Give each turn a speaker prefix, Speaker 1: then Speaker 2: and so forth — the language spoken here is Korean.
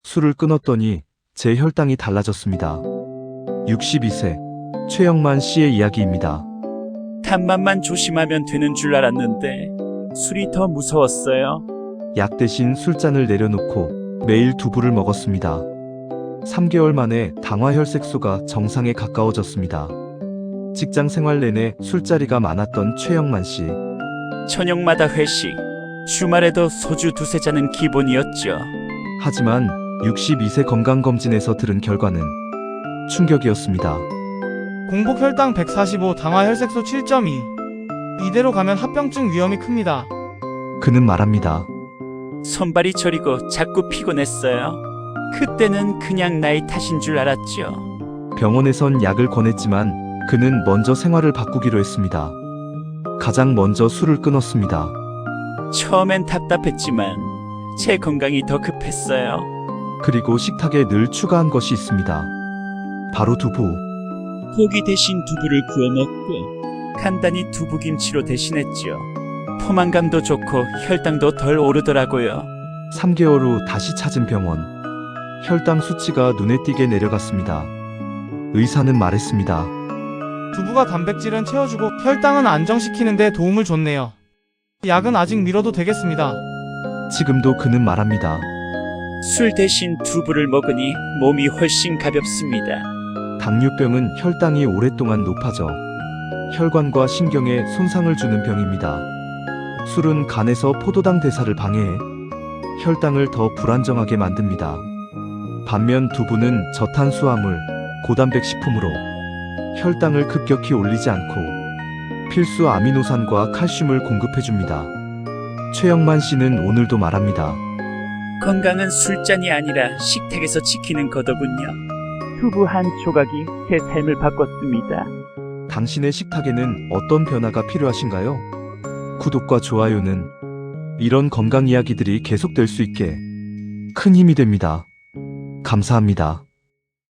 Speaker 1: 술을 끊었더니 제 혈당이 달라졌습니다. 62세 최영만 씨의 이야기입니다.
Speaker 2: 간만만 조심하면 되는 줄 알았는데 술이 더 무서웠어요.
Speaker 1: 약 대신 술잔을 내려놓고 매일 두부를 먹었습니다. 3개월 만에 당화혈색소가 정상에 가까워졌습니다. 직장 생활 내내 술자리가 많았던 최영만 씨.
Speaker 2: 저녁마다 회식, 주말에도 소주 두세 잔은 기본이었죠.
Speaker 1: 하지만 62세 건강검진에서 들은 결과는 충격이었습니다.
Speaker 3: 공복 혈당 145, 당화 혈색소 7.2. 이대로 가면 합병증 위험이 큽니다.
Speaker 1: 그는 말합니다.
Speaker 2: 손발이 저리고 자꾸 피곤했어요. 그때는 그냥 나이 탓인 줄 알았죠.
Speaker 1: 병원에선 약을 권했지만 그는 먼저 생활을 바꾸기로 했습니다. 가장 먼저 술을 끊었습니다.
Speaker 2: 처음엔 답답했지만 제 건강이 더 급했어요.
Speaker 1: 그리고 식탁에 늘 추가한 것이 있습니다. 바로 두부.
Speaker 2: 고기 대신 두부를 구워 먹고 간단히 두부김치로 대신했죠. 포만감도 좋고 혈당도 덜 오르더라고요.
Speaker 1: 3개월 후 다시 찾은 병원. 혈당 수치가 눈에 띄게 내려갔습니다. 의사는 말했습니다.
Speaker 3: 두부가 단백질은 채워주고 혈당은 안정시키는 데 도움을 줬네요. 약은 아직 미뤄도 되겠습니다.
Speaker 1: 지금도 그는 말합니다.
Speaker 2: 술 대신 두부를 먹으니 몸이 훨씬 가볍습니다.
Speaker 1: 당뇨병은 혈당이 오랫동안 높아져 혈관과 신경에 손상을 주는 병입니다. 술은 간에서 포도당 대사를 방해해 혈당을 더 불안정하게 만듭니다. 반면 두부는 저탄수화물, 고단백 식품으로 혈당을 급격히 올리지 않고 필수 아미노산과 칼슘을 공급해줍니다. 최영만 씨는 오늘도 말합니다.
Speaker 2: 건강은 술잔이 아니라 식탁에서 지키는 거더군요. 두부 한 조각이 제 삶을 바꿨습니다.
Speaker 1: 당신의 식탁에는 어떤 변화가 필요하신가요? 구독과 좋아요는 이런 건강 이야기들이 계속될 수 있게 큰 힘이 됩니다. 감사합니다.